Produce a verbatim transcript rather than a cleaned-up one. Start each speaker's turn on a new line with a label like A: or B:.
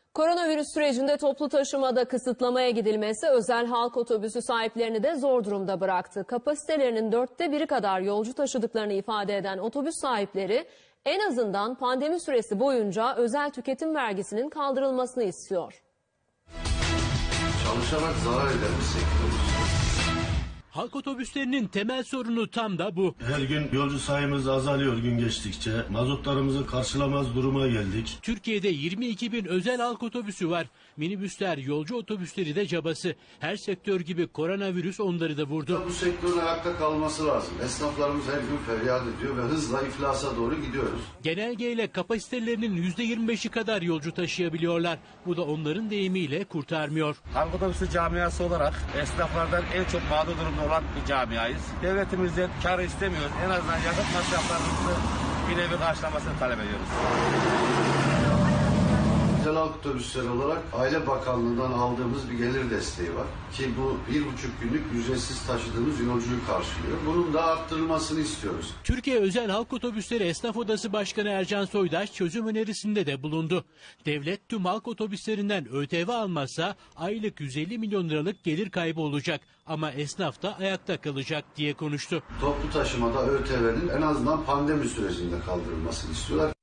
A: Koronavirüs sürecinde toplu taşımada kısıtlamaya gidilmesi özel halk otobüsü sahiplerini de zor durumda bıraktı. Kapasitelerinin dörtte biri kadar yolcu taşıdıklarını ifade eden otobüs sahipleri en azından pandemi süresi boyunca özel tüketim vergisinin kaldırılmasını istiyor.
B: Çalışarak zarar eden bir sektörüz.
C: Halk otobüslerinin temel sorunu tam da bu.
D: Her gün yolcu sayımız azalıyor gün geçtikçe. Mazotlarımızı karşılamaz duruma geldik.
C: Türkiye'de yirmi iki bin özel halk otobüsü var. Minibüsler, yolcu otobüsleri de cabası. Her sektör gibi koronavirüs onları da vurdu.
B: Bu sektörün ayakta kalması lazım. Esnaflarımız her gün feryat ediyor ve hızla iflasa doğru gidiyoruz.
C: Genelgeyle kapasitelerinin yüzde yirmi beşi kadar yolcu taşıyabiliyorlar. Bu da onların deyimiyle kurtarmıyor.
E: Halk otobüsü camiası olarak esnaflardan en çok mağdur durumda olan bir camiayız. Devletimizden kar istemiyoruz. En azından yakıt masraflarımızı bir nevi karşılamasını talep ediyoruz.
B: Özel halk otobüsleri olarak Aile Bakanlığı'ndan aldığımız bir gelir desteği var. Ki bu bir buçuk günlük ücretsiz taşıdığımız yolcuyu karşılıyor. Bunun da arttırılmasını istiyoruz.
C: Türkiye Özel Halk Otobüsleri Esnaf Odası Başkanı Ercan Soydaş çözüm önerisinde de bulundu. Devlet tüm halk otobüslerinden ÖTV almazsa aylık yüz elli milyon liralık gelir kaybı olacak. Ama esnaf da ayakta kalacak diye konuştu.
B: Toplu taşımada ÖTV'nin en azından pandemi sürecinde kaldırılmasını istiyorlar.